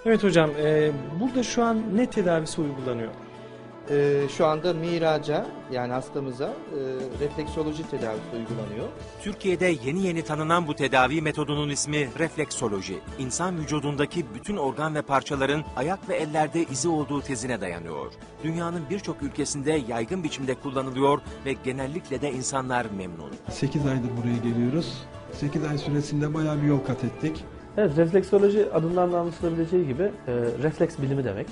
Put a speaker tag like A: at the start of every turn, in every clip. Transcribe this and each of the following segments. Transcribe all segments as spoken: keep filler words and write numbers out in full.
A: Evet hocam, e, burada şu an ne tedavisi uygulanıyor?
B: Ee, şu anda miraca yani hastamıza e, refleksoloji tedavisi uygulanıyor.
C: Türkiye'de yeni yeni tanınan bu tedavi metodunun ismi refleksoloji. İnsan vücudundaki bütün organ ve parçaların ayak ve ellerde izi olduğu tezine dayanıyor. Dünyanın birçok ülkesinde yaygın biçimde kullanılıyor ve genellikle de insanlar memnun.
D: sekiz aydır buraya geliyoruz. sekiz ay süresinde bayağı bir yol kat ettik.
E: Evet, refleksoloji adından da anlaşılabileceği gibi e, refleks bilimi demek.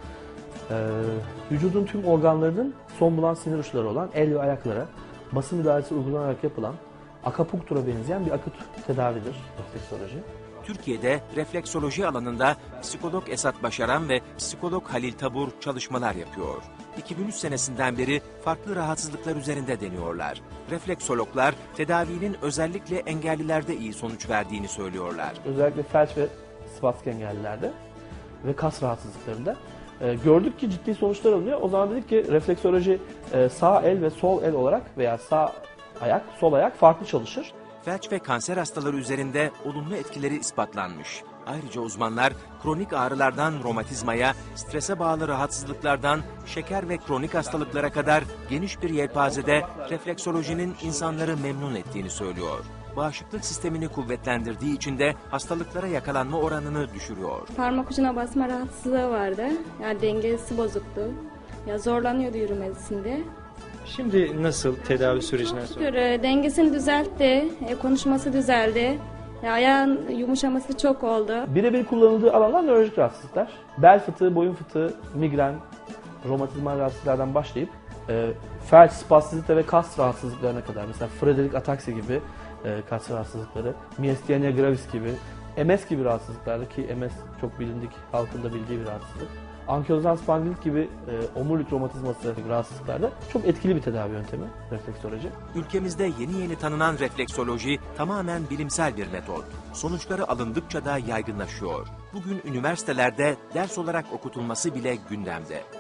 E: E, vücudun tüm organlarının son bulan sinir uçları olan el ve ayaklara bası müdahalesi uygulanarak yapılan akupunktura benzeyen bir akut tedavidir refleksoloji.
C: Türkiye'de refleksoloji alanında psikolog Esat Başaran ve psikolog Halil Tabur çalışmalar yapıyor. iki bin üç senesinden beri farklı rahatsızlıklar üzerinde deniyorlar. Refleksologlar tedavinin özellikle engellilerde iyi sonuç verdiğini söylüyorlar.
E: Özellikle felç ve spastik engellilerde ve kas rahatsızlıklarında e, gördük ki ciddi sonuçlar alınıyor. O zaman dedik ki refleksoloji e, sağ el ve sol el olarak veya sağ ayak, sol ayak farklı çalışır.
C: Felç ve kanser hastaları üzerinde olumlu etkileri ispatlanmış. Ayrıca uzmanlar kronik ağrılardan romatizmaya, strese bağlı rahatsızlıklardan şeker ve kronik hastalıklara kadar geniş bir yelpazede refleksolojinin insanları memnun ettiğini söylüyor. Bağışıklık sistemini kuvvetlendirdiği için de hastalıklara yakalanma oranını düşürüyor.
F: Parmak ucuna basma rahatsızlığı vardı. Yani dengesi bozuktu. Ya zorlanıyordu yürümesinde.
A: Şimdi nasıl tedavi sürecine sonra?
F: Şükür e, dengesini düzeltti, e, konuşması düzeldi. Ya, ayağın yumuşaması çok oldu.
E: Birebir kullanıldığı alanlar nörolojik rahatsızlıklar. Bel fıtığı, boyun fıtığı, migren, romatizmal rahatsızlıklardan başlayıp e, felç, spastisite ve kas rahatsızlıklarına kadar. Mesela Friedreich ataksi gibi e, kas rahatsızlıkları, myasthenia gravis gibi, M S gibi rahatsızlıklarda ki M S çok bilindik, halkın da bildiği bir rahatsızlık. Ankilozan spondilit gibi e, omurilik romatizması gibi rahatsızlıklarda çok etkili bir tedavi yöntemi refleksoloji.
C: Ülkemizde yeni yeni tanınan refleksoloji tamamen bilimsel bir metot. Sonuçları alındıkça da yaygınlaşıyor. Bugün üniversitelerde ders olarak okutulması bile gündemde.